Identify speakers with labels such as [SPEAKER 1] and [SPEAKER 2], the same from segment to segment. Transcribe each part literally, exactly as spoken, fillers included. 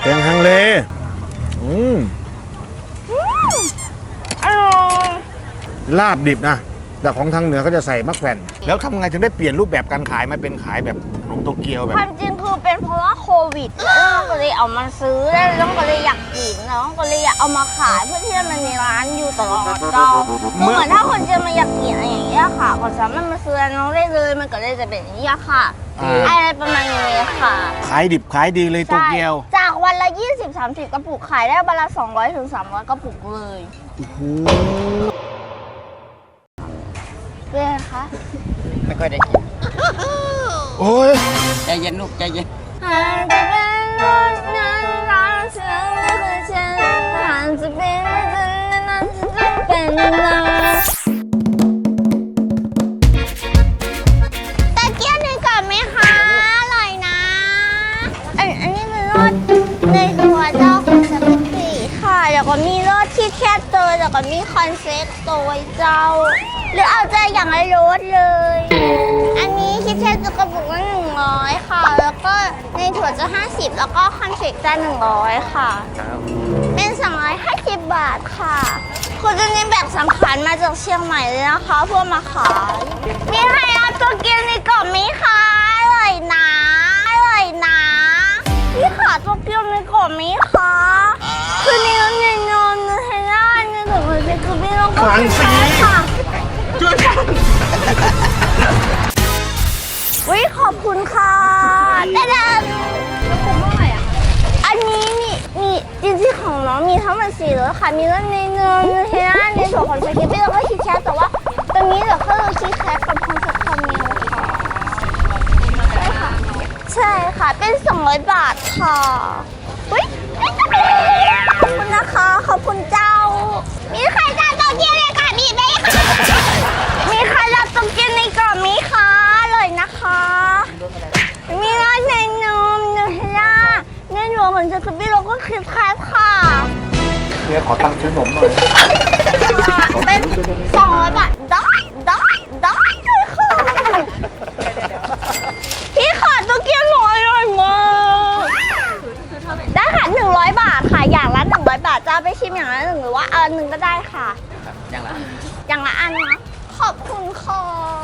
[SPEAKER 1] แกงฮังเลอืม
[SPEAKER 2] อร่อย
[SPEAKER 1] ลาบดิบนะแต่ของทางเหนือก็จะใส่มะแขวนแล้วทำไงถึงได้เปลี่ยนรูปแบบการขายมาเป็นขายแบบขนมโตเกียวแบบ
[SPEAKER 2] ความจริงคือเป็นเพราะว่าโควิดแล้วน้องก็เลยเอามาซื้อแล้วน้องก็เลยอยากกินน้องก็เลยอยากเอามาขายเพื่อที่มันมีร้านอยู่ตลอดเจ้าเหมือนถ้าคนจะมาอยากกินอะไรอย่างเงี้ยค่ะก็สามารถมาซื้อน้องได้เลยมันก็เลยจะเป็นอย่างนี้ค่ะอะไรประมาณนี้ค่ะ
[SPEAKER 1] ขายดิบขายดีเลยโตเกียว
[SPEAKER 2] จากวันละ ยี่สิบถึงสามสิบ กระปุกขายได้วันละ สองร้อยถึงสามร้อย กระปุกเลย
[SPEAKER 1] โอ้โห
[SPEAKER 2] เป็นไงคะ
[SPEAKER 3] ไม่ค่อยได้กิน
[SPEAKER 1] โอ้ย
[SPEAKER 3] ใจเย็นลูกใจเย็น
[SPEAKER 2] จะเป็นรถนั้นรักเธอไม่เคยเจอหากจะเป็นนั้นจะเป็นเราตะเกียบหนึ่งก่อนไหมคะอร่อยนะอันอันนี้เป็นรสในตัวเจ้าของสปาเกตตี้ค่ะแล้วก็มีรสที่แคบตัวแล้วก็มีคอนเซ็ปต์ตัวเจ้าหรือเอาใจอย่างไรรสเลยอันนี้คิดแค่จะกระปุกละหนึ่งร้อยค่ะแล้วก็ในถั่วจะห้าสิบแล้วก็คอนเฟกจะหนึ่งร้อยค่ะเป็นสองร้อยห้าสิบบาทค่ะคุณจะเน้นแบบสำคัญมาจากเชียงใหม่เลยนะคะเพื่อมาขายมีใครเอาตัวเกียวในกล่องไหมคะอร่อยนะอร่อยนะพี่ขาตัวเกียวในกล่องไหมคะคือในน้ำในนมในเฮล่าในถุงมือเป็นคือพี่ต้องการค่ะช่วยกันวิขอบคุณค่ะแต่เดิมแล้วคุ้มเท่าไหร่อ่ะอันนี้มีมีจริงๆของน้องมีทั้งหมดสี่รสค่ะมีรสในเนยในเฮล่าในส่วนของสกิปปี้แล้วก็คิดแคทแต่ว่าตอนนี้เหลือแค่รสคิดแคทกับคอนเซ็ปต์คาเมลค่ะใช่ค่ะใช่ค่ะเป็นสองร้อยบาทค่ะอุ้ยขอบคุณนะคะขอบคุณเจ้ามีใครจะโตเกียวเลยค่ะมีไหมมีใครจะโตเกียวในกล่องไหมคะเลยนะคะมีรสในนมเนยล่าในหัวเหมือนจะกระปี้เราก็คิดแคทค่ะ
[SPEAKER 1] เดี๋ยวขอตังค์ซื้อขนมหน่อย
[SPEAKER 2] เป็นสองร้อยบาทได้ได้ได้เลยค่ะพี่ขาดโตเกียวหน่อยหน่อยมาได้ค่ะหนึ่งร้อยบาทค่ะอย่างละหนึ่งร้อยบาทจะไปชิมอย่างละหนึ่งหรือว่าอันหนึ่งก็ได้ค่ะ
[SPEAKER 3] อย่างละ
[SPEAKER 2] อย่างละอันนะขอบคุณค่ะ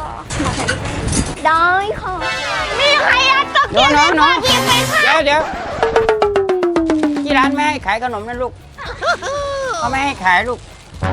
[SPEAKER 2] ได้ค่ะมีใครอยากโตเกียวในกล่องอีกไหมคะ
[SPEAKER 3] เดี๋ยวเดี๋ยวที่ร้านไม่ให้ขายขนมนะลูกเขาไม่ให้ขายลูก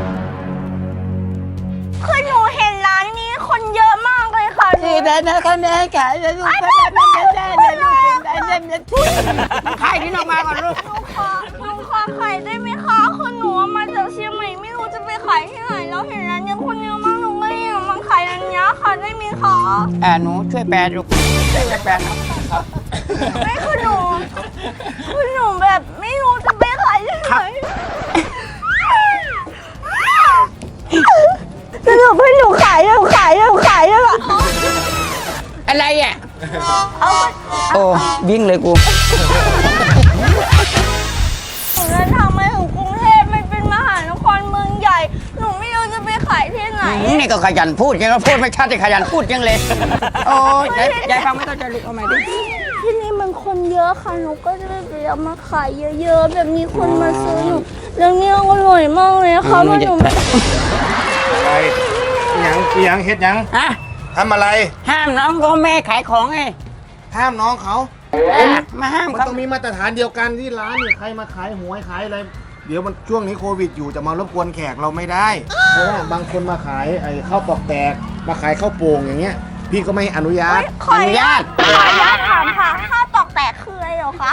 [SPEAKER 2] คือหนูเห็นร้านนี้คนเยอะมากเลยค่ะ
[SPEAKER 3] ที่ร้านนะเขาไม่ให้ขายนะลูกเขาไม่ให้ได้เลยลูกได้ได้ได้ขายที่นอกมาก่อนลูก
[SPEAKER 2] หนูขอหนูขอขายได้ไหมคะคือหนูมาจากเชียงใหม่ไม่รู้จะไปขายที่ไหนแล้วเห็นร้านนี้คนเยอะมากหนูก็เลยอยากมาขายร้านนี้ค่ะได้ไหมคะ
[SPEAKER 3] อ่าหนูช่วยแปลลูกช่วยแปลครับ
[SPEAKER 2] ไม่คือหนูคือหนูแบบไม่รู้จะไปขายที่ไหนสรุปให้หนูขายหนูขายหนูขายแล้วอะ
[SPEAKER 3] อะไรอ่ะ
[SPEAKER 2] เอา
[SPEAKER 3] โอ้วิ่งเลยกู
[SPEAKER 2] หนูเดินทางมาถึงกรุงเทพมันเป็นมหานครเมืองใหญ่หนูไม่รู้จะไปขายที่ไหน
[SPEAKER 3] นี่ก็ขยันพูดยังก็พูดไม่ชัดจะขยันพูดยังเลยโอ้ยยายฟังไม่ต้องจะลุกเอาใหม่ดิ
[SPEAKER 2] ที่นี่มันคนเยอะค่ะหนูก็เลยไปเอามาขายเยอะๆแบบมีคนมาซื้อหนูเรื่องนี้อร่อยมากเลยค่ะมันหนู
[SPEAKER 1] อะไรยังยังเฮ็ดยัง
[SPEAKER 3] ฮะ
[SPEAKER 1] ทำอะไร
[SPEAKER 3] ห้ามน้องก็แม่ขายของไง
[SPEAKER 1] ห้ามน้องเขา
[SPEAKER 3] มาห้าม
[SPEAKER 1] มันต้องมีมาตรฐานเดียวกันที่ร้านเนี่ยใครมาขายหวยขายอะไรเดี๋ยวมันช่วงนี้โควิดอยู่จะมารบกวนแขกเราไม่ได้เพราะว่าบางคนมาขายไอ้ข้าวปอกแตกมาขายข้าวโป่งอย่างเงี้ยพี่ก็ไม่อนุญาต
[SPEAKER 2] ขออนุญาตขออนุญาตถามค่ะข้าวตอกแตกคืออะไรเหรอคะ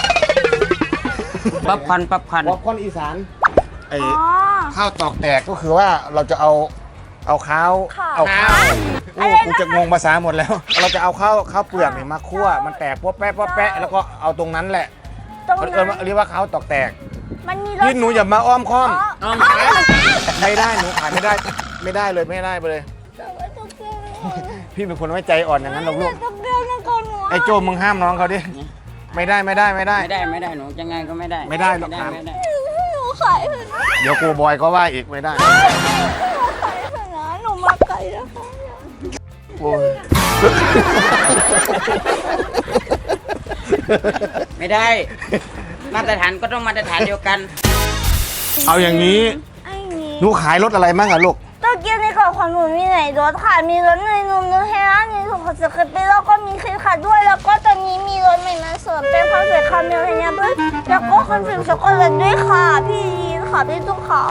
[SPEAKER 3] ป๊อปคอร์นป๊อปคอร์น
[SPEAKER 1] ป๊อปคอร์นอีสานไอ้ข้าวตอกแตกก็คือว่าเราจะเอาเอาข้าวเอาข้าวโอ้กูจะงงภาษาหมดแล้วเราจะเอาข้าวข้าวเปลือกเนี่ยมาคั่วมันแตกป๊อปแป๊ะป๊อปแป๊ะแล้วก็เอาตรงนั้นแหละมันเรียกว่าข้าวตอกแตกพี่หนูอย่ามาอ้อมค้อมไม่ได้หนูขายไม่ได้ไม่ได้เลยไม่ได้ไปเลยพี่เป็นคนไม่ใจอ่อนอย่างนั้นหรอกลูกไอ้โจมึงห้ามน้องเขาดิไม่ได้ไม่ได้ไม่ได้
[SPEAKER 3] ไม่ได้ไม่ได้หนูยังไงก็ไม่ได้
[SPEAKER 1] ไม่ได้หรอกครับ
[SPEAKER 2] หนูขาย
[SPEAKER 1] เดี๋ยวกูบอยก็ว่าอีกไม่ได้
[SPEAKER 2] หนูขายนะหนูมาไกลแล้วค่ะโอ้ย
[SPEAKER 3] ไม่ได้มาตรฐานก็ต้องมาตรฐานเดียวกัน
[SPEAKER 1] เอาอย่างนี้
[SPEAKER 2] ไอ้นี้
[SPEAKER 1] หนูขายรถอะไรบ้างอะลูก
[SPEAKER 2] โตเกียวในกล่องของหนูมีไหนรถค่ะมีรถเนยนมรถเฮล่ามีถุงขนสเก็ตแล้วก็มีคลิปค่ะด้วยแล้วก็ตอนนี้มีรถใหม่มาเสริมเป็นคอนเฟกต์คาเมลเนียด้วยแล้วก็คอนเฟกต์ช็อกโกแลตด้วยค่ะพี่ยีนค่ะพี่ตุ๊กค่ะ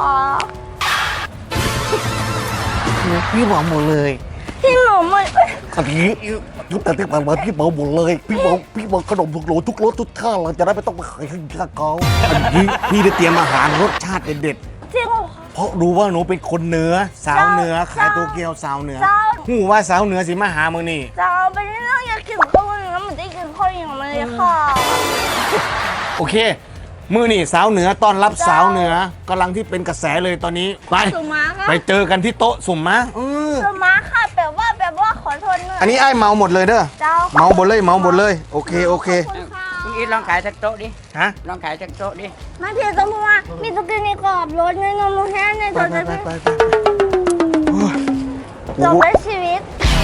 [SPEAKER 1] พี่บอกหมดเลย
[SPEAKER 2] พี่หนูมัน
[SPEAKER 1] อันนี้ยุคแต่ที่ผ่านมาพี่บอกหมดเลยพี่บอกพี่บอกขนมทุกโหลทุกรสทุกท่าเราจะได้ไม่ต้องไปขายข้างเขาอันนี้พี่ได้เตรียมอาหารรสชาติเด็ด
[SPEAKER 2] จริงเหรอ
[SPEAKER 1] ๆเพราะรู้ว่าหนูเป็นคนเหนือสาวเหนือขายโตเกียวสาวเหนือ
[SPEAKER 2] เจ้า
[SPEAKER 1] หูว่าสาวเหนือสิมาหามึงนี่
[SPEAKER 2] เจ้าไปเรื่องอยากกินข้าวเหนียวมันได้กินข้าวเหนียวมาเลยค่ะ
[SPEAKER 1] โอเค มือนี่สาวเหนือต้อนรับสาวเหนือกำลังที่เป็นกระแสเลยตอนนี้ไป
[SPEAKER 2] สุมาค่ะ
[SPEAKER 1] ไปเจอกันที่โต๊ะสุ่มมะเออ
[SPEAKER 2] สุมาค่ะแปลว่าแปลว่าขอโทษเนอะ
[SPEAKER 1] อันนี้ไอ้เมาหมดเลยเด้อ
[SPEAKER 2] เจ้า
[SPEAKER 1] เมาหมดเลยเมาหมดเลยโอเคโอเค
[SPEAKER 2] ขอบคุณค่ะ
[SPEAKER 3] คุณอีทลองขายสักโต๊ะดิ
[SPEAKER 1] ฮะ
[SPEAKER 3] ลองขายสักโต๊ะดิ
[SPEAKER 2] ไม่เพียงต้องพูดว่ามีตุ๊กตาในกรอบรถในนมมือแห้งใน
[SPEAKER 1] ไป
[SPEAKER 2] ตัว
[SPEAKER 1] ไป
[SPEAKER 2] จะ
[SPEAKER 1] ไป
[SPEAKER 2] เป็น
[SPEAKER 1] ไปไปโอ้ย
[SPEAKER 2] จบเป็นชีวิต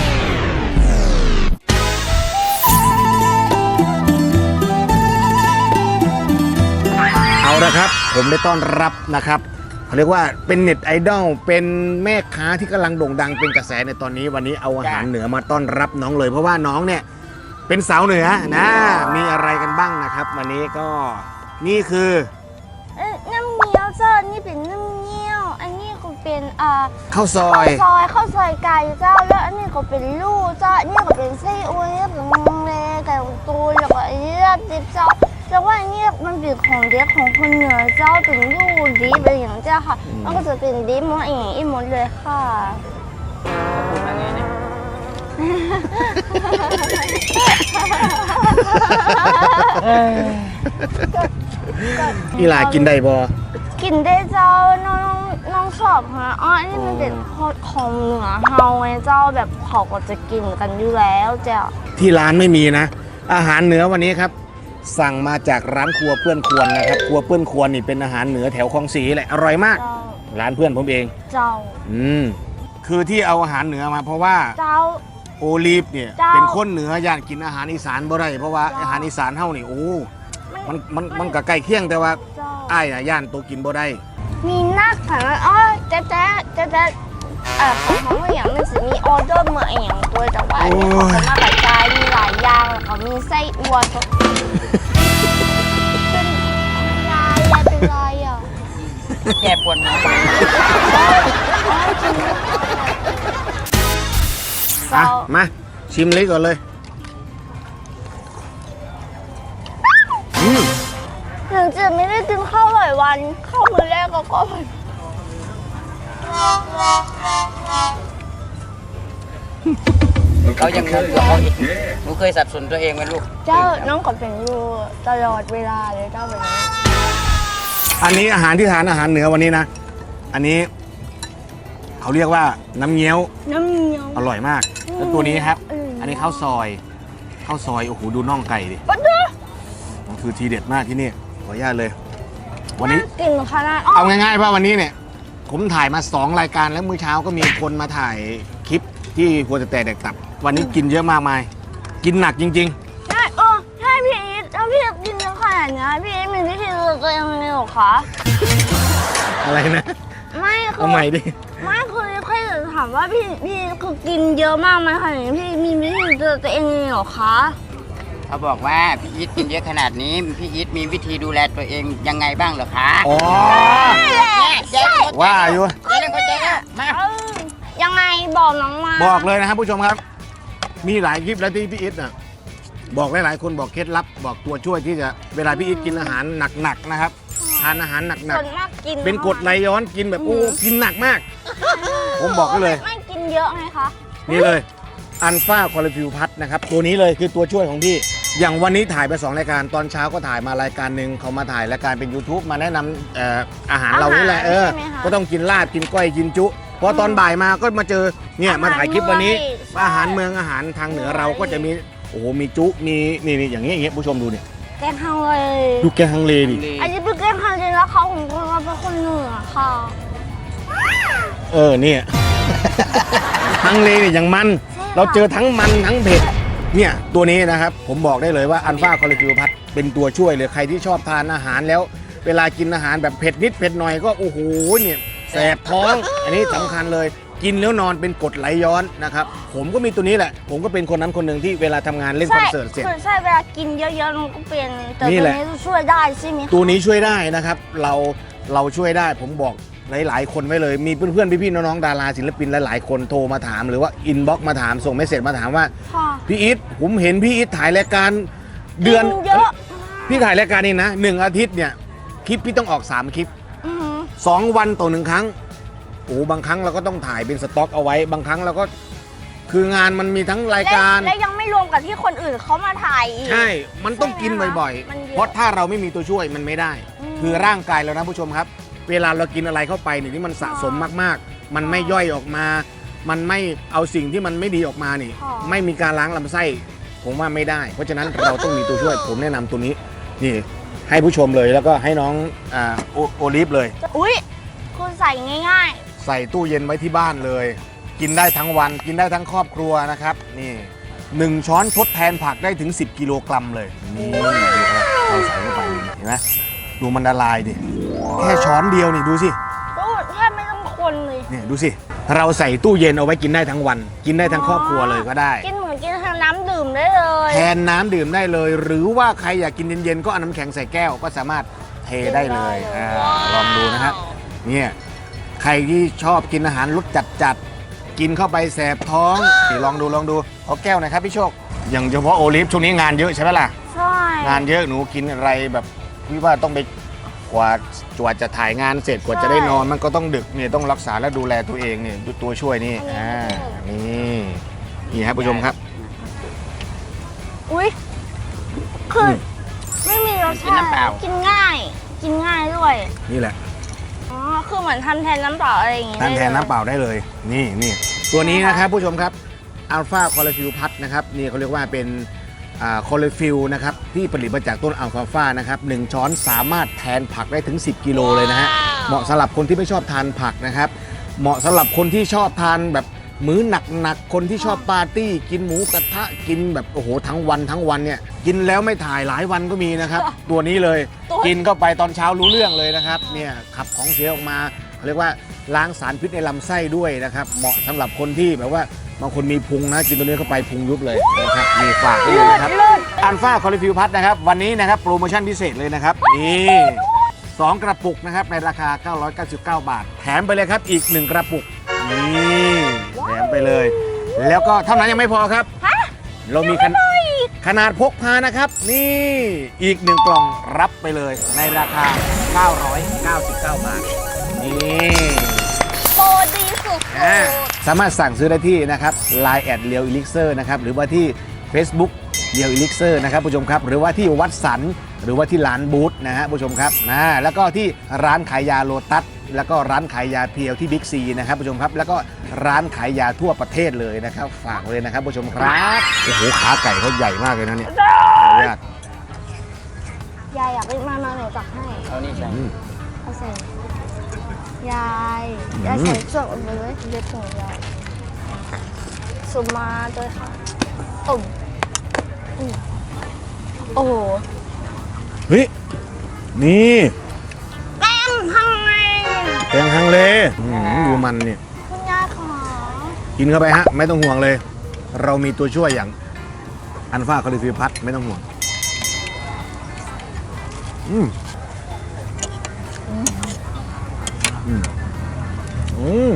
[SPEAKER 1] เอาละครับ ผมได้ต้อนรับนะครับเขาเรียกว่าเป็นเน็ตไอดอลเป็นแม่ค้าที่กำลังโด่งดังเป็นกระแสในตอนนี้วันนี้เอาอาหารเหนือมาต้อนรับน้องเลย เพราะว่าน้องเนี่ยเป็นสาวเหนือนะมีอะไรกันบ้างนะครับ วันนี้ก็นี่คือ
[SPEAKER 2] เอ้ยน้ำเงี้ยวเจ้านี่เป็นน้ำเงี้ยวอันนี้ก็เป็นอ่า
[SPEAKER 1] ข้าวซอ
[SPEAKER 2] ข้าวย ซอยข้าวซอยไก่เจ้าแล้วอันนี้ก็เป็นลูกเจ้าอันนี้ก็เป็นไส้อั่วนี่เป็นมังเลไก่ตูนแล้วก็อันนี้ลาบดิบเจ้าแล้วว่าอันนี้มันเป็นของเด็กของคนเหนือเจ้าเป็นลูกดิบอะไรอย่างเจ้าค่ะมันก็จะเป็นดิบหมดอย่างนี้หมดเลยค่ะ
[SPEAKER 3] พูดมาไงเนี่ย
[SPEAKER 1] อีหลากินได้บ่
[SPEAKER 2] กินได้เจ้าน้องน้องชอบฮะอ๋ออันนี้มันเป็นของเหนือเฮาไงเจ้าแบบเขาก็จะกินกันอยู่แล้วเจ้า
[SPEAKER 1] ที่ร้านไม่มีนะ อาหารเหนือวันนี้ครับ สั่งมาจากร้านครัวเพื่อนควรนะครับครัวเพื่อนควรนี่เป็นอาหารเหนือแถวคลองสีแหละอร่อยมาก
[SPEAKER 2] เจ้า
[SPEAKER 1] ร้านเพื่อนผมเอง
[SPEAKER 2] เจ้า
[SPEAKER 1] อืมคือที่เอาอาหารเหนือมาเพราะว่า
[SPEAKER 2] เจ้า
[SPEAKER 1] โอลีฟเนี่ย
[SPEAKER 2] เจ้า
[SPEAKER 1] เป็นคนเหนืออยากกินอาหารอีสานบ่ได้เพราะว่า
[SPEAKER 2] เจ้า
[SPEAKER 1] อาหารอีสานเฮานี่โอ้มันมันมันก็ใกล้เคียงแต่ว่า
[SPEAKER 2] เจ้า
[SPEAKER 1] อ้ายน่ะย่านตัวกินบ่ได้
[SPEAKER 2] มีนักค่ะอ๋อเจ๊เจ๊เจ๊เจ๊เอ่อของเขาเมื่ออย่างมันจะมีออเดอร์เมื่ออย่างตัวแต่ว่าอันนี้เขาจะมากระจายมีหลายอย่างแล้วก็มีไส้อั่วก็เป็นลายอะเป็นลายอ่ะ
[SPEAKER 3] แย่ปวดหัว
[SPEAKER 1] อ่ะมาชิมเลยก่อนเลยอืม
[SPEAKER 2] ถึงจะไม่ได้กินข้าวหลายวันข้าวมื้อแรกก็ก็
[SPEAKER 3] เขายังงงกับเขาอีกหนูเคยสับสนตัวเองไหมลูก
[SPEAKER 2] เจ้าน้องก็เป็นอยู่ตลอดเวลาเลยเจ้าแบบนี้
[SPEAKER 1] อันนี้อาหารที่ทานอาหารเหนือวันนี้นะ อันนี้เขาเรียกว่าน้ำเงี้ยว
[SPEAKER 2] น้ำเงี้ยว
[SPEAKER 1] อร่อยมาก แล้วตัวนี้ครับ
[SPEAKER 2] อืม
[SPEAKER 1] อันนี้ข้าวซอย ข้าวซอย โอ้โห ดูน่องไก่ดิ
[SPEAKER 2] ปั๊ดเด้อ
[SPEAKER 1] มันคือทีเด็ดมากที่นี่ ขออนุญาตเลย วันนี้
[SPEAKER 2] กินขนาดอ๋อ
[SPEAKER 1] เอาง่ายๆว่าวันนี้เนี่ย ผมถ่ายมาสองรายการแล้วมื้อเช้าก็มีคนมาถ่ายคลิปที่ครัวจะแต่เด็กตับ วันนี้กินเยอะมากมาย กินหนักจริง
[SPEAKER 2] ใช่เออใช่พี่อีทแล้วพี่อีทกินเยอะขนาดนี้พี่อีทมีวิธีดูแลตัวเองยังไงหรอคะ
[SPEAKER 1] ๆ อะไรนะ
[SPEAKER 2] ไม่คื
[SPEAKER 1] เอาใหม่ดิ
[SPEAKER 2] ไม่คือแค่จะถามว่าพี่พี่คือกินเยอะมากไหมคะอย่างนี้พี่มีวิธีดูแลตัวเองยังไงหรอคะ
[SPEAKER 3] เขาบอกว่าพี่อีทกินเยอะขนาดนี้พี่อีทมีวิธีดูแลตัวเองยังไงบ้างเหรอคะ
[SPEAKER 1] อ๋อ
[SPEAKER 3] ใช่
[SPEAKER 1] ว่าอยู่
[SPEAKER 3] เจ๊เล่นเข้าใจแล้วมา
[SPEAKER 2] เออยังไงบอกน้องมา
[SPEAKER 1] บอกเลยนะครับผู้ชมครับ มีหลายคลิปแล้วที่พี่อิทน่ะบอกหลายๆคนบอกเคล็ดลับ บอกตัวช่วยที่จะเวลาพี่อิทกินอาหารหนักๆนะครับทานอาหารหนัก
[SPEAKER 2] ส่วนมากกิน
[SPEAKER 1] ๆเป็นกรดไหลย้อนกินแบบโอ้กินหนักมาก ผมบอกไว้เลย
[SPEAKER 2] ไม่กินเยอะไงคะ
[SPEAKER 1] นี่เลยอันฟ้าคอลฟิวพัทนะครับตัวนี้เลยคือตัวช่วยของพี่ อย่างวันนี้ถ่ายไปสองรายการตอนเช้าก็ถ่ายมารายการหนึ่งเขามาถ่ายรายการเป็น YouTube มาแนะนำเอ่ออาหารเรานี่แหละเออก็ต้องกินลาบกินก้อยกินจุพอตอนบ่ายมาก็มาเจอเนี่ยมาถ่ายคลิปวันนี้ อาหารเมืองอาหารทางเหนือเราก็จะมีโอ้โหมีจุมีนี่นี่อย่างเงี้ยอย่างเงี้ยผู้ชมดูเนี่ย
[SPEAKER 2] แกงฮังเลย
[SPEAKER 1] ดูแกงฮังเลดิ
[SPEAKER 2] อันนี้เป็นแกงฮังเลยแล้วเขาของคนเราเป็นคนเหนือค่ะ
[SPEAKER 1] เออเนี่ย ฮังเลเนี่ยอย่างมันเราเจอทั้งมันทั้งเผ็ดเนี่ยตัวนี้นะครับผมบอกได้เลยว่าอันฟ้าคอลฟิวพัทเป็นตัวช่วยเลยใครที่ชอบทานอาหารแล้ว เวลากินอาหารแบบเผ็ดนิดเผ็ดหน่อยก็โอ้โหเนี่ยแสบท้อง อันนี้สำคัญเลยกินแล้วนอนเป็นกรดไหลย้อนนะครับผมก็มีตัวนี้แหละ ผมก็เป็นคนนั้นคนหนึ่งที่เวลาทำงานเล่นคอนเสิร์ตเสร็จ
[SPEAKER 2] ใช่ใช่เวลากินเยอะๆมันก็เป็นแต่
[SPEAKER 1] นี่
[SPEAKER 2] ตัว
[SPEAKER 1] แหละ
[SPEAKER 2] นี้ช่วยได้ใช่ไหมคะ
[SPEAKER 1] ตัวนี้ช่วยได้นะครับเราเราช่วยได้ผมบอกหลาย ๆ คนไว้เลยมีเพื่อนๆพี่ๆน้องๆดาราศิลปินหลายๆคนโทรมาถามหรือว่าอินบ็อกซ์มาถามส่งเมสเซจมาถามว่า
[SPEAKER 2] ค่ะ
[SPEAKER 1] พี่อีทผมเห็นพี่อีทถ่ายรายการเดือน
[SPEAKER 2] กินเยอะ
[SPEAKER 1] พี่ถ่ายรายการนี้นะหนึ่งอาทิตย์เนี่ยคลิปพี่ต้องออกสามคลิป
[SPEAKER 2] อือหือ
[SPEAKER 1] สองวันต่อหนึ่งครั้งโอ้บางครั้งเราก็ต้องถ่ายเป็นสต็อกเอาไว้บางครั้งเราก็คืองานมันมีทั้งรายการ
[SPEAKER 2] และและยังไม่รวมกับที่คนอื่นเขามาถ่ายอีก
[SPEAKER 1] ใช่มันต้องกินบ่อย
[SPEAKER 2] มันเย
[SPEAKER 1] ๆ
[SPEAKER 2] อะ
[SPEAKER 1] เพราะถ้าเราไม่มีตัวช่วยมันไม่ได้
[SPEAKER 2] อืม
[SPEAKER 1] คือร่างกายเรานะผู้ชมครับ เวลาเรากินอะไรเข้าไปเนี่ยที่มันสะสมมากๆ มันไม่ย่อยออกมา มันไม่เอาสิ่งที่มันไม่ดีออกมานี่
[SPEAKER 2] ค่ะ
[SPEAKER 1] ไม่มีการล้างลำไส้ผมว่าไม่ได้ เพราะฉะนั้นเราต้องมีตัวช่วยผมแนะนำตัวนี้นี่ให้ผู้ชมเลยแล้วก็ให้น้องอ่าโอโอลิฟเลย
[SPEAKER 2] อุ้ยคุณใส่ง่าย
[SPEAKER 1] ใส่ตู้เย็นไว้ที่บ้านเลย กินได้ทั้งวัน กินได้ทั้งครอบครัวนะครับนี่หนึ่งช้อนทดแทนผักได้ถึง สิบกิโลกรัมเลยนี่ดูครับเราใส่เข้าไปเห็นไหมดูมันละลายดิแค่ช้อนเดียวนี่ดูสิ
[SPEAKER 2] ๆตู้แทบไม่ต้องคนเลย
[SPEAKER 1] เนี่ยดูสิเราใส่ตู้เย็นเอาไว้กินได้ทั้งวัน กินได้ทั้งครอบครัวเลยก็ได้
[SPEAKER 2] กินเหมือนกินทางน้ำดื่มได้เลย
[SPEAKER 1] แทนน้ำดื่มได้เลย หรือว่าใครอยากกินเย็นๆก็เอาน้ำแข็งใส่แก้วก็สามารถเทได้เลยอ่าลองดูนะครับเนี่ยใครที่ชอบกินอาหารรสจัดๆกินเข้าไปแสบท้องนี่ลองดูลองดูเอาแก้วหน่อยครับพี่โชคอย่างเฉพาะโอลิฟช่วงนี้งานเยอะใช่ไหมล่ะ
[SPEAKER 2] ใช่
[SPEAKER 1] งานเยอะหนูกินอะไรแบบพี่ว่าต้องไปกว่ากว่าจะถ่ายงานเสร็จกว่าจะได้นอนมันก็ต้องดึกเนี่ยต้องรักษาและดูแลตัวเองเนี่ยดูตัวช่วยนี่อ่านี่นี่ครับผู้ชมครับ
[SPEAKER 2] อุ้ยคืออ
[SPEAKER 1] ม
[SPEAKER 2] ไม่มีรส
[SPEAKER 3] กิน
[SPEAKER 2] ชา
[SPEAKER 3] น้ำเปล่า
[SPEAKER 2] ติกินง่าย กินง่ายด้วย
[SPEAKER 1] นี่แหละ
[SPEAKER 2] อ๋อคือเหมือนทำแทนน้ำเปล่าอะไรอย่างงี้
[SPEAKER 1] ทานแทน
[SPEAKER 2] ได้ลย
[SPEAKER 1] น้ำเปล่าได้เลย นี่นี่ตัวนี้นะครับผู้ชมครับอัลฟาคอลฟิลพัทนะครับนี่เขาเรียกว่าเป็นคอลฟิลนะครับที่ผลิตมาจากต้นอัลฟาฟานะครับหนึ่งช้อนสามารถแทนผักได้ถึง สิบกิโลเลยนะฮะเหมาะสำหรับคนที่ไม่ชอบทานผักนะครับเหมาะสำหรับคนที่ชอบทานแบบมื้อหนักๆคนที่ชอบปาร์ตี้กินหมูกระทะกินแบบโอ้โหทั้งวันทั้งวันเนี่ยกินแล้วไม่ถ่ายหลายวันก็มีนะครับ ตัวนี้เลย กินเข้าไปตอนเช้ารู้เรื่องเลยนะครับเนี่ยขับของเสียออกมาเขาเรียกว่าล้างสารพิษในลำไส้ด้วยนะครับเหมาะสำหรับคนที่แบบว่าบางคนมีพุงนะกินตัวนี้เข้าไปพุงยุบเลยนะครับมีฝากด้วยนะครับอัลฟาคอลิฟิวพัทนะครับวันนี้นะครับโปรโมชั่นพิเศษเลยนะครับนี่สองกระปุกนะครับในราคาเก้าร้อยเก้าสิบเก้าบาทแถมไปเลยครับอีกหนึ่งกระปุกนี่แถมไปเลย แล้วก็เท่านั้นยังไม่พอครับเรามีขนขนาดพกพานะครับนี่อีกหนึ่งกล่องรับไปเลยในราคาเก้าร้อยเก้าสิบเก้าบาทนี่
[SPEAKER 2] โปรดีสุด
[SPEAKER 1] อ่าสามารถสั่งซื้อได้ที่นะครับไลน์แอดเลียวอิลิกเซอร์นะครับหรือว่าที่ Facebook เลียวอิลิกเซอร์นะครับผู้ชมครับหรือว่าที่วัดสันหรือว่าที่ร้านบูธนะฮะผู้ชมครับนะแล้วก็ที่ร้านขายยาโลตัสแล้วก็ร้านขายยาเพียวที่บิ๊กซีนะครับผู้ชมครับแล้วก็ร้านขายยาทั่วประเทศเลยนะครับฝากเลยนะครับผู้ชมครับโอ้โหขาไก่เขาใหญ่มากเลยนะเนี่ยขออนุญาต
[SPEAKER 2] ยายอยากไปมามาหนูตักให้
[SPEAKER 3] เอานี่ใส่
[SPEAKER 1] อืม
[SPEAKER 2] เอาใส่ยายยายใส่ส่วนออกไปเลยเด็ดของยายสุดมาด้วยค่ะตุ่มอืมโอ้โห
[SPEAKER 1] เฮ้ยนี่
[SPEAKER 2] แป้งทำไง
[SPEAKER 1] แตงฮังเลอืมดูมันเนี่ย
[SPEAKER 2] คุณยายขอ
[SPEAKER 1] กินเข้าไปฮะไม่ต้องห่วงเลย เรามีตัวช่วยอย่างอัลฟาคอลิฟิวพัทไม่ต้องห่วงอืมอืมอืม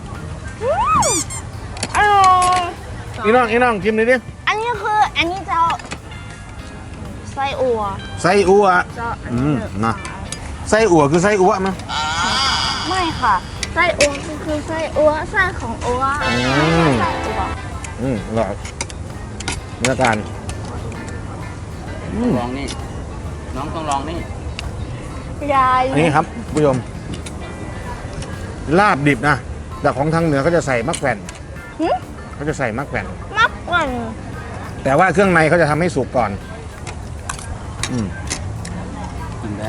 [SPEAKER 2] อร่อย
[SPEAKER 1] อีน้องอีน้องชิมหน่อยดิ
[SPEAKER 2] อันนี้คืออันนี้จะไส้อั่ว
[SPEAKER 1] ไส้อั่ว
[SPEAKER 2] จะอัน
[SPEAKER 1] อื
[SPEAKER 2] นี้
[SPEAKER 1] มนะไส้อั่วคือไส้อั่วมั้ย
[SPEAKER 2] ไม่ค่ะไส้อั่วคือไส้อั่วไส้ของอั่ว
[SPEAKER 1] อืม
[SPEAKER 2] ไส้อั่ว
[SPEAKER 1] อืมอร่อยเนื้อการอืม
[SPEAKER 3] ลองนี่ น้องต้องลองนี่
[SPEAKER 2] ยาย
[SPEAKER 1] อันนี้ครับผู้ชมลาบดิบนะแต่ของทางเหนือเขาจะใส่มะแขวน
[SPEAKER 2] หึ
[SPEAKER 1] เขาจะใส่มะแขวน
[SPEAKER 2] มักก่อน
[SPEAKER 1] แต่ว่าเครื่องในเขาจะทำให้สุกก่อน อืม
[SPEAKER 3] กินได้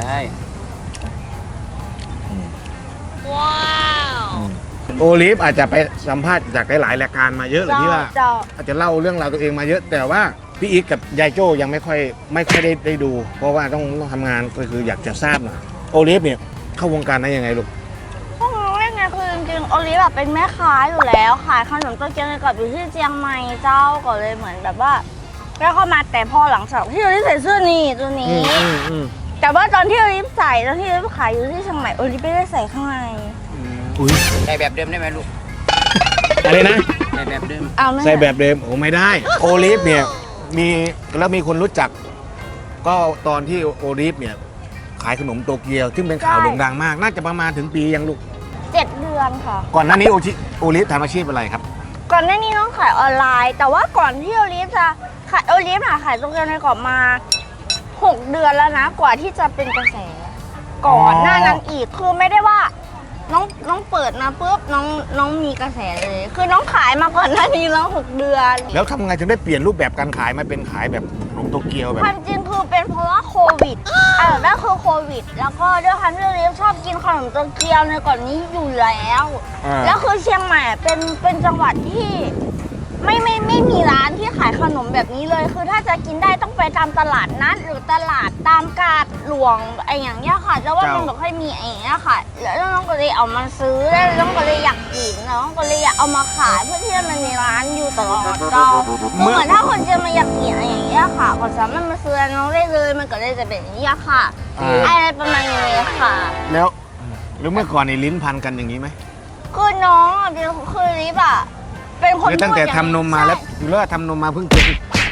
[SPEAKER 1] โอลิฟอาจจะไปสัมภาษณ์จากหลายๆรายการมาเยอะเลยที่ว่า
[SPEAKER 2] เจ้า
[SPEAKER 1] อาจจะเล่าเรื่องราวตัวเองมาเยอะ แต่ว่าพี่อีกกับยายโจ้ยังไม่ค่อยไม่ค่อยได้ได้ดู เพราะว่าต้องต้องทำงานก็คืออยากจะทราบหน่อยโอลิฟเนี่ยเข้าวงการได้ยังไงลูก
[SPEAKER 2] พวกน้องเล่นไงคือจริงๆโอลิฟแบบเป็นแม่ค้าอยู่แล้วขายขนมโตเกียวในกรอบอยู่ที่เชียงใหม่เจ้าก็เลยเหมือนแบบว่าแล้วเข้ามาแต่พอหลังจากที่โอลิฟใส่เสื้อนี่ตัวนี้
[SPEAKER 1] อืมอืม
[SPEAKER 2] แต่ว่าตอนที่โอลิฟใส่ตอนที่โอลิฟขายอยู่ที่เชียงใหม่โอลิฟไม่ได้ใส่ข้างใน
[SPEAKER 1] อุ้ย
[SPEAKER 3] ใส่แบบเดิมได้ไหมลูก
[SPEAKER 1] อะไรนะ
[SPEAKER 3] ใส่แบบเดิม
[SPEAKER 2] เอาไม่
[SPEAKER 1] ใส่แบบเดิมโอ้ไม่ได้โอลิฟเนี่ยมีแล้วมีคนรู้จัก ก็ตอนที่โอลิฟเนี่ยขายขนมโตเกียวซึ่งเป็นข่าวโด่งดังมาก น่าจะประมาณถึงปียังลูก
[SPEAKER 2] เจ็ดเดือนค่ะ
[SPEAKER 1] ก่อนหน้านี้โอชิโอลิฟทำอาชีพอะไรครับ
[SPEAKER 2] ก่อนหน้านี้น้องขายออนไลน์ แต่ว่าก่อนที่โอลิฟจะขายโอลิฟอะขายโตเกียวในกรอบมาหกเดือนแล้วนะกว่าที่จะเป็นกระแส ก่อนหน้านั้นอีกคือไม่ได้ว่าน้องน้องเปิดมาปุ๊บน้องน้องมีกระแสเลย คือน้องขายมาก่อนหน้านี้แล้วหกเดือน
[SPEAKER 1] แล้วทำไงถึงได้เปลี่ยนรูปแบบการขายมาเป็นขายแบบขนมโตเกียวแบบ
[SPEAKER 2] ความจริงคือเป็นเพราะว่าโควิดอ่านั่นคือโควิด แล้วก็ด้วยความที่โอลิฟชอบกินขนมโตเกียวในก่อนนี้อยู่แล้ว
[SPEAKER 1] อ่า
[SPEAKER 2] แล้วคือเชียงใหม่เป็นเป็นจังหวัดที่ไม่ไม่ไม่มีร้านที่ขายขนมแบบนี้เลย คือถ้าจะกินได้ต้องไปตามตลาดนัดหรือตลาดตามกาดหลวงไอ้อย่างเงี้ยค่ะแล้วว่ามันไม่ค่อยมีไอ้อย่างเงี้ยค่ะ แล้วน้องก็เลยเอามาซื้อแล้วน้องก็เลยอยากกินแล้วน้องก็เลยอยากเอามาขายเพื่อที่จะมันมีร้านอยู่ตลอดก็เหมือนถ้าคนจะมาอยากกินไอ้อย่างเงี้ยค่ะก็สามารถมาซื้อน้องได้เลยมันก็เลยจะเป็นอย่างเงี้ยค่ะ
[SPEAKER 1] อ่า
[SPEAKER 2] อะไรประมาณนี้ค่ะ
[SPEAKER 1] แล้วแล้วเมื่อก่อนในลิ้นพันกันอย่างนี้ไหม
[SPEAKER 2] คือน้องอ่ะเป็นคือลิฟอ่ะเป็นคน
[SPEAKER 1] หรือตั้งแต่
[SPEAKER 2] พูดอย่
[SPEAKER 1] ทำนมมาแล้วหรือว่าทำนมมาเพิ่งกิน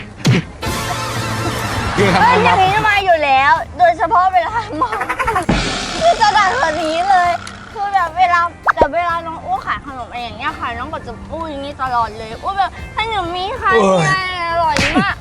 [SPEAKER 1] พี่
[SPEAKER 2] ใช่
[SPEAKER 1] ทำน
[SPEAKER 2] เป็น
[SPEAKER 1] ม
[SPEAKER 2] อย่า
[SPEAKER 1] มา
[SPEAKER 2] งนี้มาอยู่แล้ว โดยเฉพาะเวลาเมาคือจะดังแบบนี้เลย คือแบบเวลาแต่เวลาน้องอ้วขายขนมอะไรอย่างเงี้ยค่ะน้องก็จะพูดอย่างนี้ตลอดเลยอ้วแบบขนมมีค่ะเนี่ยอร่อยมาก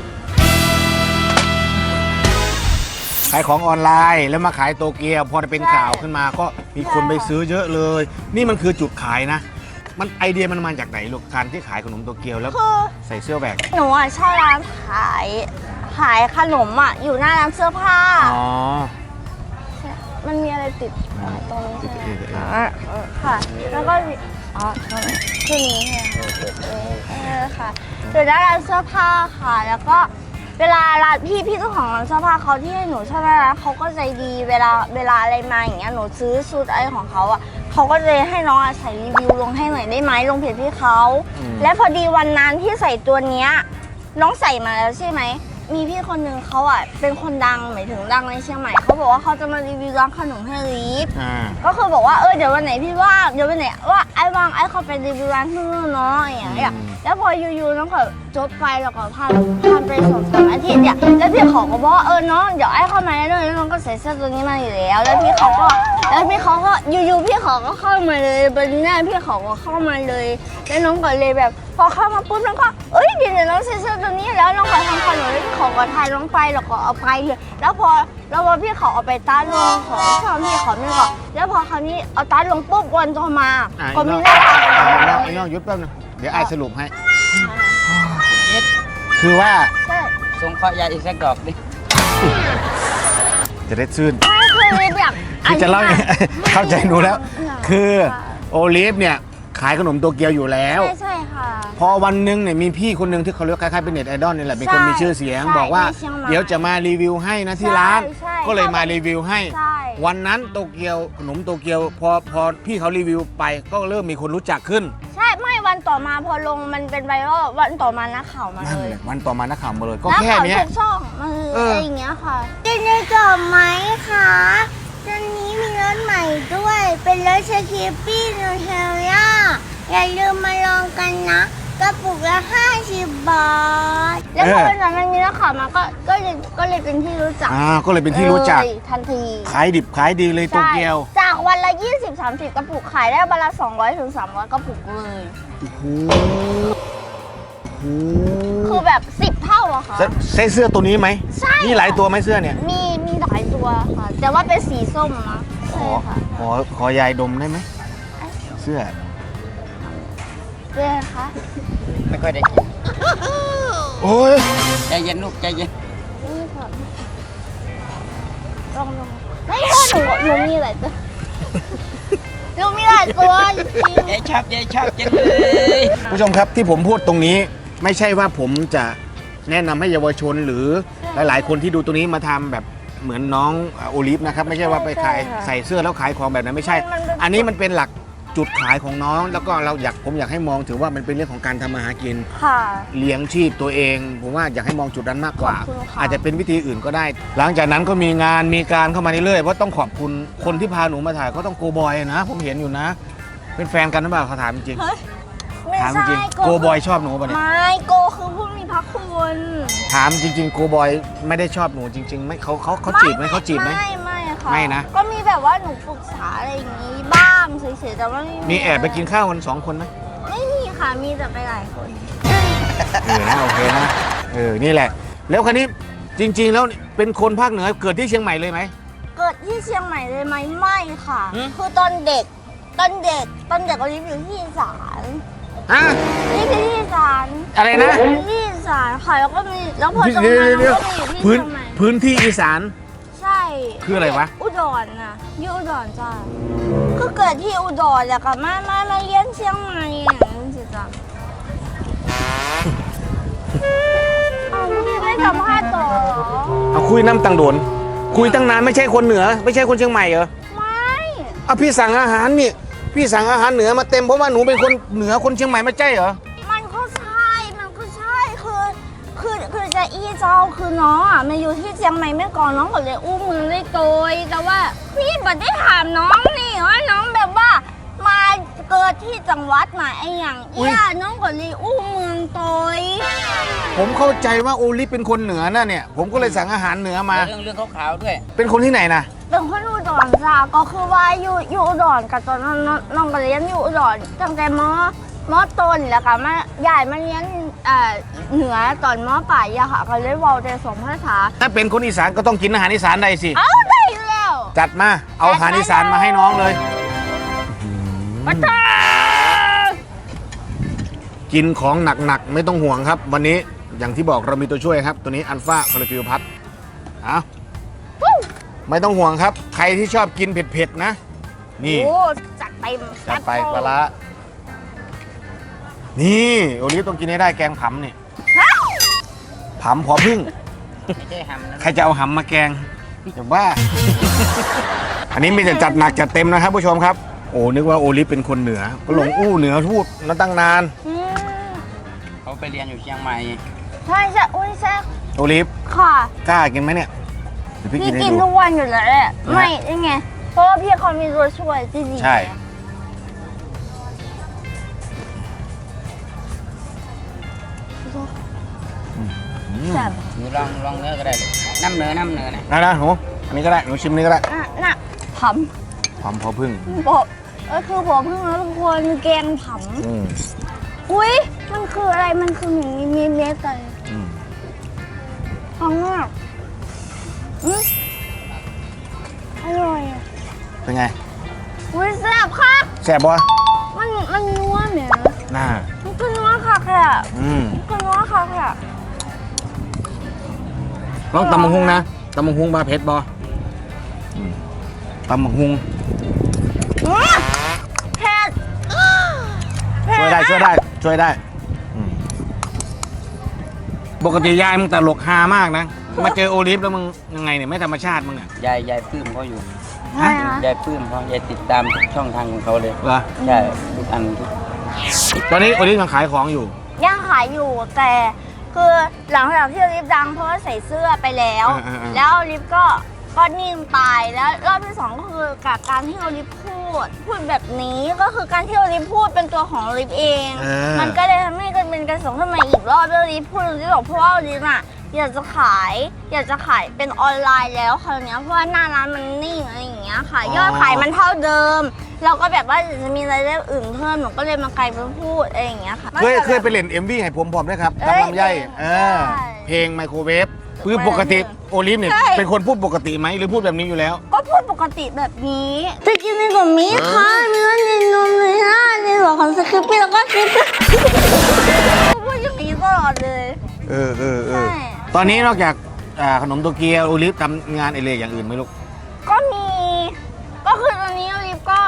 [SPEAKER 1] ขายของออนไลน์แล้วมาขายโตเกียวพอเป็นข่าวขึ้นมาก็มีคนไปซื้อเยอะเลย นี่มันคือจุดขายนะ มันไอเดียมันมาจากไหนลูกการที่ขายขนมโตเกียวแล้ว
[SPEAKER 2] คือ
[SPEAKER 1] ใส่เสื้อแบก
[SPEAKER 2] หนูอ่ะเช่าร้านขายขายขนมอ่ะอยู่หน้าร้านเสื้อผ้า
[SPEAKER 1] อ๋อ
[SPEAKER 2] มันมีอะไรติดอะไรตรงนี้ใช่ไหม
[SPEAKER 1] ติดๆๆ
[SPEAKER 2] อ่าเออค่ะ แล้วก็มีอ๋อชื่อนี้เนี่ยเออค่ะอยู่หน้าร้านเสื้อผ้าค่ะ แล้วก็เวลาร้านพี่พี่เจ้าของร้านเสื้อผ้าเขาที่ให้หนูเช่าร้านเขาก็ใจดีเวลาเวลาอะไรมาอย่างเงี้ยหนูซื้อชุดอะไรของเขาอ่ะเขาก็เลยให้น้องอะใส่รีวิวลงให้หน่อยได้ไหมลงเพจพี่เขาและพอดีวันนั้นที่ใส่ตัวเนี้ยน้องใส่มาแล้วใช่ไหมมีพี่คนหนึ่งเขาอ่ะเป็นคนดังหมายถึงดังในเชียงใหม่เขาบอกว่าเขาจะมารีวิวร้านขนมให้ลิฟ
[SPEAKER 1] อ่า
[SPEAKER 2] ก็คือบอกว่าเออเดี๋ยววันไหนพี่ว่างเดี๋ยววันไหนว่าไอ้ว่างไอ้เขาไปรีวิวร้านที่นู่นเนาะอย่างเงี้ยแล้วพออยู่ๆน้องก็จบไปแล้วก็ผ่านผ่านไปสองสามอาทิตย์เนี่ยแล้วพี่เขาก็บอกว่าเออน้องเดี๋ยวไอ้เข้ามาแล้วแล้วน้องก็ใส่เสื้อตัวนี้มาอยู่แล้วแล้วพี่เขาก็แล้วพี่เขาก็อยู่ๆพี่เขาก็เข้ามาเลยบนหน้าพี่เขาก็เข้ามาเลยแล้วน้องก็เลยแบบพอเข้ามาปุ๊บน้องก็เอ้ยเดี๋ยวน้องใส่เสื้อตัวนี้แล้วน้องก็ทำขนมแล้วพี่เขาก็ทายน้องไปแล้วก็เอาไปเลยแล้วพอแล้วพอพี่เขาเอาไปต้านลงของชอบพี่เขาไม่ก็แล้วพอคราวนี้เอาต้านลงปุ๊บวันต่อมา
[SPEAKER 1] อ่ะ
[SPEAKER 2] ก็มี
[SPEAKER 1] ไอ้
[SPEAKER 2] หน้า
[SPEAKER 1] น้องไอ้น้องหยุดแป๊บนึงเดี๋ยวไอ้สรุปให้ คือว่า
[SPEAKER 2] ใช่
[SPEAKER 3] ส่งข้อยาอีกสักดอกดิ
[SPEAKER 1] จะได้ชื่น
[SPEAKER 2] ไม่คือแบบ
[SPEAKER 1] คือจะเล่า
[SPEAKER 2] อันนี้
[SPEAKER 1] เข้าใจหนูแล้ว
[SPEAKER 2] ค่ะ
[SPEAKER 1] คือโอลิฟเนี่ยขายขนมโตเกียวอยู่แล้ว
[SPEAKER 2] ใช่ใช่ค่ะ
[SPEAKER 1] พอวันหนึงเนี่ยมีพี่คนหนึ่งที่เขาเรียกคล้ายๆเป็นเน็ตไอดอลนี่แหละเป็นคน
[SPEAKER 2] ใช่
[SPEAKER 1] มีชื่อเสียง
[SPEAKER 2] ใช่
[SPEAKER 1] บอกว่า
[SPEAKER 2] ในเชียงใหม่
[SPEAKER 1] เดี๋ยวจะมารีวิวให้นะที่ร้าน
[SPEAKER 2] ใช่ใช่
[SPEAKER 1] ก็เลยมารีวิวให้
[SPEAKER 2] ใช่
[SPEAKER 1] วันนั้นโตเกียวขนมโตเกียวพอพอพี่เขารีวิวไปก็เริ่มมีคนรู้จักขึ้น
[SPEAKER 2] ใช่ไม่วันต่อมาพอลงมันเป็นไวรัลวันต่อมานักข่าวมา
[SPEAKER 1] นั่น
[SPEAKER 2] เลย
[SPEAKER 1] แหละวันต่อมานักข่าวมาเลยก็
[SPEAKER 2] นัก
[SPEAKER 1] แค่
[SPEAKER 2] ข่าว
[SPEAKER 1] เนี้ย
[SPEAKER 2] ทุกช่องมาเลย
[SPEAKER 1] เอออ
[SPEAKER 2] อะไรอย่างเงี้ยค่ะกินได้จบไหมคะตอนนี้มีรถใหม่ด้วย เป็นรถสคิปปี้นูเทลล่าอย่าลืมมาลองกันนะกระปุกละห้าสิบบาทแล้วพอเป็นแบบนี้นักข่าวมาก็ก็เลยก็เลยเป็นที่รู้จัก
[SPEAKER 1] อ่าก็เลยเป็นที่รู้จัก
[SPEAKER 2] เลยทันที
[SPEAKER 1] ขายดิบขายดีเลยโตเกียว
[SPEAKER 2] ใช่จากวันละ ยี่สิบถึงสามสิบ กระปุกขายได้วันละ สองร้อยถึงสามร้อย กระปุกเลย
[SPEAKER 1] โอ้โห
[SPEAKER 2] คือแบบ สิบ เท่าอะค่ะ
[SPEAKER 1] ใช่เสื้อตัวนี้ไหม
[SPEAKER 2] ใช่
[SPEAKER 1] มีหลายตัวไหมเสื้อเนี่ย
[SPEAKER 2] มีมีหลายตัวค่ะ แต่ว่าเป็นสีส้มนะ
[SPEAKER 1] ข
[SPEAKER 2] ใช่
[SPEAKER 1] อ
[SPEAKER 2] ค่ะ
[SPEAKER 1] ขอขอยายดมได้ไหมเสื้อ
[SPEAKER 2] เจ๊คะ
[SPEAKER 3] ไม่ค่อยได้กิน
[SPEAKER 1] โอ้ย
[SPEAKER 3] ใจเย็นลูกใจเย็น
[SPEAKER 2] นี่ค่ะลองลองไม่ใช่หนูหนูมีหลายตัวหนูมีหลายตัวจริง
[SPEAKER 3] ยายชอบยายชอบจังเลย
[SPEAKER 1] ผู้ชมครับที่ผมพูดตรงนี้ไม่ใช่ว่าผมจะแนะนำให้เยาวชนหรือหลายๆ คนที่ดูตัวนี้มาทำแบบเหมือนน้องโอลิฟนะครับไม่ใช่ว่าไปขายใส่เสื้อแล้วขายของแบบนั้นไม่ใช่ อันนี้มันเป็นหลักจุดขายของน้องแล้วก็เราอยากผมอยากให้มองถือว่ามันเป็นเรื่องของการทำมาหากิน
[SPEAKER 2] ค่ะ
[SPEAKER 1] เลี้ยงชีพตัวเองผมว่าอยากให้มองจุดนั้นมากกว่า
[SPEAKER 2] ขอบคุณค่ะ
[SPEAKER 1] อาจจะเป็นวิธีอื่นก็ได้ หลังจากนั้นก็มีงานมีการเข้ามาเรื่อยๆเพราะต้องขอบคุณคนที่พาหนูมาถ่ายก็ต้องโกบอยนะ ผมเห็นอยู่นะ เป็นแฟนกันหรือเปล่าเขาถามจริง
[SPEAKER 2] เฮ้ยไม่
[SPEAKER 1] ถามจ
[SPEAKER 2] ใช่
[SPEAKER 1] ริงโกบอยชอบหนูป่ะเนี่ย
[SPEAKER 2] ไม่โกคือผู้มีพระคุณ
[SPEAKER 1] ถามจริงๆโกบอยไม่ได้ชอบหนูจริงๆไม่เขาเขาเขาจีบไหมเขาจีบไหม
[SPEAKER 2] ไม่ไม่ค่ะ
[SPEAKER 1] ไม่นะ
[SPEAKER 2] ก็มีแบบว่าหนูปรึกษาอะไรอย่างนี้บ้างเฉยๆแต่ว่าไม่
[SPEAKER 1] มีแอบไปกินข้าวกันสองคนไหม
[SPEAKER 2] ไม่มีค่ะมีแต่ไปหลายคน
[SPEAKER 1] เออนะโอเคนะเออนี่แหละ แล้วคันนี้จริง ๆ แล้วเป็นคนภาคเหนือเกิดที่เชียงใหม่เลยไหม
[SPEAKER 2] เกิดที่เชียงใหม่เลยไหมไม่ค่ะ
[SPEAKER 1] หืม
[SPEAKER 2] คือตอนเด็กตอนเด็กตอนเด็กก็รีบอยู่ที่อีสาน
[SPEAKER 1] ฮะ
[SPEAKER 2] รีบอยู่ที่อีสาน
[SPEAKER 1] อะไรนะ
[SPEAKER 2] ที่อีสานค่ะแล้วก็มีแล้วพอ
[SPEAKER 1] เดี๋
[SPEAKER 2] ตรง
[SPEAKER 1] ยว
[SPEAKER 2] นั้น
[SPEAKER 1] เดี๋ยว
[SPEAKER 2] ก็มีอยู่ที่
[SPEAKER 1] พื้น
[SPEAKER 2] เชียงใหม่
[SPEAKER 1] พื้นที่อีสาน
[SPEAKER 2] ใช่
[SPEAKER 1] คืออะไรวะ
[SPEAKER 2] อุดรน่ะอยู่อุดรจ้าคือเกิดที่อุดรแล้วก็มามามาเรียนเชียงใหม่อย่างนี้สิจ้ะอ้าวพี่ไม่สัมภาษณ์ต่อเหรอ
[SPEAKER 1] เอาคุยน้ำตังโดน คุยตั้งนานไม่ใช่คนเหนือ ไม่ใช่คนเชียงใหม่เหรอ
[SPEAKER 2] ไม่
[SPEAKER 1] เอาพี่สั่งอาหารนี่พี่สั่งอาหารเหนือมาเต็มเพราะว่าหนูเป็นคนเหนือคนเชียงใหม่ไม่ใช่เหรอ
[SPEAKER 2] มันก็ใช่มันก็ใช่คือคือคือจะอีเจ้าคือน้องอ่ะมาอยู่ที่เชียงใหม่เมื่อก่อนน้องก็เลยอุ้มมือได้โตยแต่ว่าพี่บัดได้ถามน้องนี่ว่าน้องแบบว่ามาเกิดที่จังหวัดไหนไอ้อย่าง
[SPEAKER 1] อุ๊
[SPEAKER 2] เอี้
[SPEAKER 1] ย
[SPEAKER 2] ยน้องก็เลยอุ้มเมืองโตย
[SPEAKER 1] ผมเข้าใจว่าโอลิฟเป็นคนเหนือน่ะเนี่ย ผมก็เลยสั่งอาหารเหนือมา
[SPEAKER 3] เรื่องเรื่องขาวๆด้วย
[SPEAKER 1] เป็นคนที่ไหนนะ
[SPEAKER 2] เป็นคนอุดรจ้าก็คือว่าอยู่อยู่อุดรกับตอนนั้นน้องน้องก็เรียนอยู่อุดรตั้งแต่มมต้นแล้วก็มาใหญ่มาเรียนเอ่อเหนือตอนมปลายอะค่ะก็เลยเว้าได้สองภาษา
[SPEAKER 1] ถ้าเป็นคนอีสานก็ต้องกินอาหารอีสานใดสิ
[SPEAKER 2] เอาได้อยู่แล้ว
[SPEAKER 1] จัดมา เอาอาหารอีสานมาให้น้องเลย
[SPEAKER 2] มาจ้า
[SPEAKER 1] กินของหนักๆไม่ต้องห่วงครับ วันนี้อย่างที่บอกเรามีตัวช่วยครับ ตัวนี้อัลฟาคอลฟิวพัทเอาไม่ต้องห่วงครับ ใครที่ชอบกินเผ็ดๆนะ นี่
[SPEAKER 2] โอ้จัดไป
[SPEAKER 1] จัดไปปลาร้านี่โอลิฟต้องกินให้ได้แกงผำนี่ผำพอพึ่ง
[SPEAKER 3] ไม่ใช่หำนะ
[SPEAKER 1] ใครจะเอาหำมาแกงจะบ้า อันนี้มีแต่จัดหนักจัดเต็มนะครับผู้ชมครับ โอ้นึกว่าโอลิฟเป็นคนเหนือ ก็หลงอู้เหนือทูดมาตั้งนาน
[SPEAKER 2] อืม
[SPEAKER 3] เขาไปเรียนอยู่เชียงใหม่
[SPEAKER 2] ใช่ใช่อุ้ยแซ่บ
[SPEAKER 1] โอลิฟ
[SPEAKER 2] ค่ะ
[SPEAKER 1] กล้ากินไหมเนี่ยเดี๋ยวพี่
[SPEAKER 2] พี่
[SPEAKER 1] กินให้
[SPEAKER 2] กิน
[SPEAKER 1] ดู
[SPEAKER 2] ทุกวันอยู่แล้วแหละไม่ยังไง เพราะว่าพี่เขามีตัวช่วยที่ดี
[SPEAKER 1] ใช่
[SPEAKER 2] แซ่บ
[SPEAKER 3] หนูลองลองเนื้อก็ได้ลูกน้ำเนื้อน้ำเนื้อนะ
[SPEAKER 1] นะนะหนูอันนี้ก็ได้หนูชิมนี้ก็ได้
[SPEAKER 2] น่ะน่ะผ
[SPEAKER 1] ผำพอพึ่ง
[SPEAKER 2] ำบอกเออคือผมเพิ่งแล้วทุกคนแกงผ
[SPEAKER 1] อืม
[SPEAKER 2] ำอุ้ยมันคืออะไรมันคืออย่างนี้มีเม็ดอะไร
[SPEAKER 1] อืม
[SPEAKER 2] ฟังมากอืมอร่อยอะ
[SPEAKER 1] เป็นไง
[SPEAKER 2] อุ้ยแซ่บค่ะ
[SPEAKER 1] แซ่บบ่
[SPEAKER 2] มันมันนัวเหมือน
[SPEAKER 1] น่า
[SPEAKER 2] มันก็นัวค่ะค่ะ
[SPEAKER 1] อืม
[SPEAKER 2] มันก็นัวค่ะค่ะ
[SPEAKER 1] ลองตำมังหุงนะตำมังหุงบาเผ็ดบ่อืมตำมังหุง
[SPEAKER 2] อื้อเผ็ดเผ็
[SPEAKER 1] ช่วยได้ช่วยได้ช่วยได้อืมปกติยายมึงตลกฮามากนะ มาเจอโอลิฟแล้วมึงยังไงเนี่ยไม่ธรรมชาติมึงอ่ะ
[SPEAKER 3] ยายยายปลื้มเขาอยู่
[SPEAKER 2] ใช่นะ
[SPEAKER 3] ยายปลื้มเขายายติดตามทุกช่องทางของเขาเลย
[SPEAKER 1] เหรอ
[SPEAKER 3] ใช่ทุกอันทุก
[SPEAKER 1] ตอนนี้โอลิฟยังขายของอยู่
[SPEAKER 2] ยังขายอยู่แต่คือหลังจากที่ลิฟดังเพราะว่าใส่เสื้อไปแล้ว
[SPEAKER 1] อ่าๆๆ
[SPEAKER 2] แล้วลิฟก็ก็นิ่งไปแล้วรอบที่สองก็คือกับการที่ลิฟพูด พูดแบบนี้ก็คือการที่ลิฟพูดเป็นตัวของลิฟเอง
[SPEAKER 1] เออ
[SPEAKER 2] มันก็เลยทำให้กันเป็นกระแสขึ้นมาอีกรอบแล้วลิฟพูดลิฟบอกเพราะว่าลิฟอะอยากจะขาย อยากจะขายเป็นออนไลน์แล้วคราวเนี้ยเพราะว่าหน้าร้านมันนิ่งอะไรอย่างเงี้ยค่ะยอดขายมันเท่าเดิม เราก็แบบว่าจะมีรายได้อื่นเพิ่มหนูก็เลยมากลายเป็นพูดอะไรอย่างเงี้ยค่ะ
[SPEAKER 1] เคยเคยไปเล่น เอ็ม วี ให้ผมพร้อมด้วยครับ
[SPEAKER 2] เอ้ย
[SPEAKER 1] ตำลำไยเออ
[SPEAKER 2] ใช่
[SPEAKER 1] เพลงไมโครเวฟคือปกติโอลิฟเนี่ย
[SPEAKER 2] ใช่
[SPEAKER 1] เป็นคนพูดปกติไหมหรือพูดแบบนี้อยู่แล้ว
[SPEAKER 2] ก็พูดปกติแบบนี้จะกินในกับมีค่ะเนื้อในนมในหน้าในหัวของสคริปต์แล้วก็คลิปพูดอย่างนี้ตลอดเลย
[SPEAKER 1] เออเออเออ
[SPEAKER 2] ใช่
[SPEAKER 1] ตอนนี้นอกจากอ่าขนมโตเกียวโอลิฟทำงานอะไรอย่างอื่นไหมลูก
[SPEAKER 2] ก็มี ก็คือตอนนี้ลิฟก็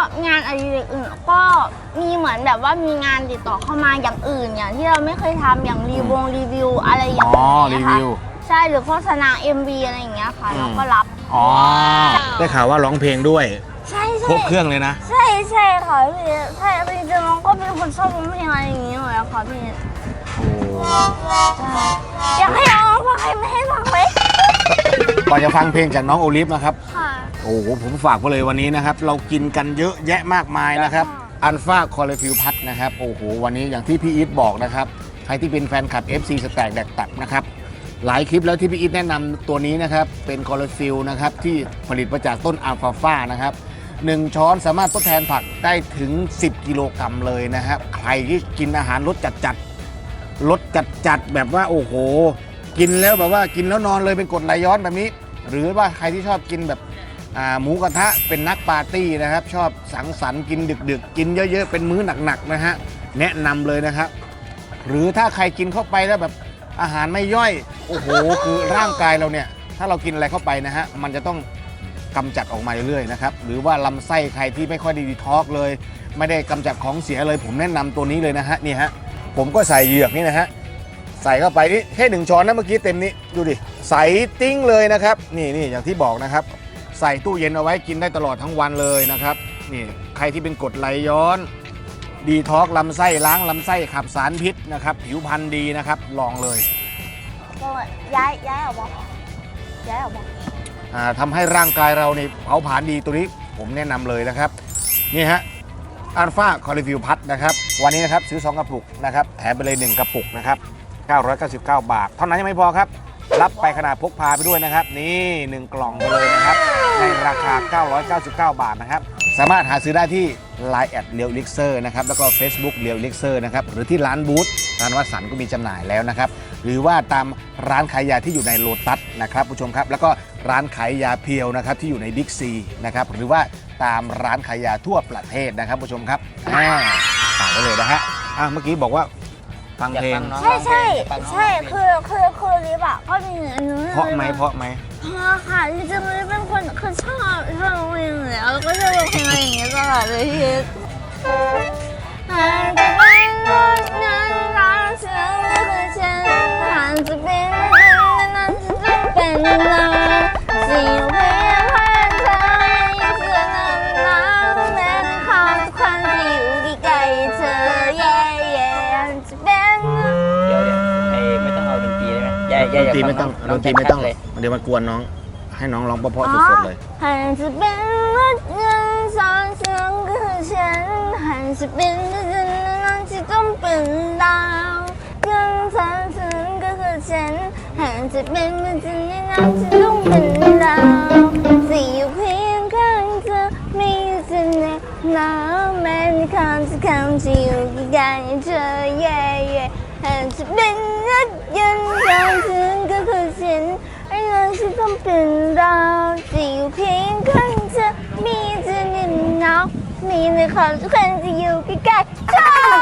[SPEAKER 2] งานอะไรอื่นก็มีเหมือนแบบว่ามีงานติดต่อเข้ามาอย่างอื่นอย่างที่เราไม่เคยทำอย่างรีวงรีวิวอะไรอย่าง
[SPEAKER 1] อ๋อ
[SPEAKER 2] เงี้
[SPEAKER 1] รี
[SPEAKER 2] ยค่ะ
[SPEAKER 1] วิว
[SPEAKER 2] ใช่หรือโฆษณา เอ็ม วี อะไรอย่างเงี้ยค่ะเราก็รับ
[SPEAKER 1] อ๋อได้ข่าวว่าร้องเพลงด้วย
[SPEAKER 2] ใช่ใช่
[SPEAKER 1] ครบเครื่องเลยนะ
[SPEAKER 2] ใช่ใช่ค่ะพี่ใช่จริงๆน้องก็เป็นคนชอบร้องเพลงอะไรอย่างเงี้ยอยู่แล้วค่ะพี่
[SPEAKER 1] โอ้
[SPEAKER 2] อยากให้น้องฟังใครไม่ให้ฟังไหม
[SPEAKER 1] ก่อนจะฟังเพลงจากน้องโอลิฟนะครับ
[SPEAKER 2] ค่ะ
[SPEAKER 1] โอ้โหผมฝากไว้เลยวันนี้นะครับ เรากินกันเยอะแยะมากมายนะครับอัลฟาคอเลฟิวพัทนะครับโอ้โหวันนี้อย่างที่พี่อีทบอกนะครับใครที่เป็นแฟนคลับ เอฟ ซี สแต็กแดกตับนะครับหลายคลิปแล้วที่พี่อีทแนะนำตัวนี้นะครับเป็นคอเลฟิวนะครับที่ผลิตมาจากต้นอัลฟาฟานะครับหนึ่งช้อนสามารถทดแทนผักได้ถึงสิบกิโลกรัมเลยนะครับใครที่กินอาหารรสจัดๆรสจัดๆแบบว่าโอ้โหกินแล้วแบบว่ากินแล้วนอนเลยเป็นกรดไหลย้อนแบบนี้ หรือว่าใครที่ชอบกินแบบหมูกระทะเป็นนักปาร์ตี้นะครับชอบสังสรรค์กินดึกๆกินเยอะๆเป็นมื้อหนักๆนะฮะแนะนำเลยนะครับหรือถ้าใครกินเข้าไปแล้วแบบอาหารไม่ย่อยโอ้โหคือร่างกายเราเนี่ยถ้าเรากินอะไรเข้าไปนะฮะมันจะต้องกำจัดออกมาเรื่อยๆนะครับหรือว่าลำไส้ใครที่ไม่ค่อยดีท็อกเลย ไม่ได้กำจัดของเสียเลยผมแนะนำตัวนี้เลยนะฮะนี่ฮะผมก็ใส่เหยือกนี่นะฮะใส่เข้าไปนี่แค่หนึ่งช้อนนะเมื่อกี้เต็มนี้ดูดิใส่ติ้งเลยนะครับนี่นี่อย่างที่บอกนะครับใส่ตู้เย็นเอาไว้กินได้ตลอดทั้งวันเลยนะครับนี่ใครที่เป็นกรดไหลย้อนดีท็อกลำไส้ล้างลำไส้ขับสารพิษนะครับผิวพรรณดีนะครับลองเลย
[SPEAKER 2] ก็ย้ายย้ายออกมาย้ายออกมา
[SPEAKER 1] อ่าทำให้ร่างกายเราเนี่ยเผาผลาญดีตัวนี้ผมแนะนำเลยนะครับนี่ฮะอัลฟาคอลิฟิวพัทนะครับวันนี้นะครับซื้อสองกระปุกนะครับแถมไปเลยหนึ่งกระปุกนะครับเก้าร้อยเก้าสิบเก้าบาทเท่านั้นยังไม่พอครับรับไปขนาดพกพาไปด้วยนะครับนี่หนึ่งกล่องไปเลยนะครับในราคาเก้าร้อยเก้าสิบเก้าบาทนะครับสามารถหาซื้อได้ที่ ไลน์ แอดเรียวลิกเซอร์นะครับแล้วก็ Facebook เรียวลิกเซอร์นะครับหรือที่ร้านบูธร้านวัสันก็มีจำหน่ายแล้วนะครับหรือว่าตามร้านขายยาที่อยู่ในโลตัสนะครับผู้ชมครับแล้วก็ร้านขายยาเพียวนะครับที่อยู่ในบิ๊กซีนะครับหรือว่าตามร้านขายยาทั่วประเทศนะครับผู้ชมครับอ่าฝากไว้เลยนะฮะอ่ะเมื่อกี้บอกว่าฟังเพลง
[SPEAKER 2] ใช่ใช่ใช่คือคือคือลิฟอะก็มีอันนู้น
[SPEAKER 1] เพราะไหมเพราะไหม
[SPEAKER 2] เพราะค่ะจริงๆลิฟเป็นคนคือชอบชอบร้องเพลงเลยแล้วก็ชอบร้องเพลงอะไรอย่างเงี้ยตลอดเลยที่หากจะเป็นคนนั้นรักฉันก็คือฉันหากจะเป็นคนนั้นฉันจะเป็นเราสิ่งเพียงแค่เธอยังเชื่อน้ำน้ำแม้ความทุกครั้งที่อยู่ใกล้ๆเธอแย่แย่จะเป็น
[SPEAKER 3] เดี๋ยวเดี๋ยวไอ้ไม่ต้องเอาดนตรีได้ไหมอย่าอย่า
[SPEAKER 1] ดน
[SPEAKER 3] อย่า
[SPEAKER 1] ตรีไม่ต้อง
[SPEAKER 3] ฟั
[SPEAKER 1] ดนตรีไม่ต้อง
[SPEAKER 3] เลย
[SPEAKER 1] เดี๋ยวมันกวนน้องให้น้องร้องเพราะๆสดๆเลย
[SPEAKER 2] 还是变了人上相个ฉัน还是变了人让其中笨到跟上ฉันก็คือฉัน还是变了人让其中笨到只有เพียงข้างเธอมีเสน่ห์หนาวแม้ในคำที่คำที่อยู่ใกล้ๆเธอแย่แย่还是变了人上ฉันก็คือฉันไอ้เรื่องที่ต้องเป็นเราจะอยู่เพียงข้างเธอมีเธอในหนาวมีในความทุกคนจะอยู่ใกล้ๆเธอ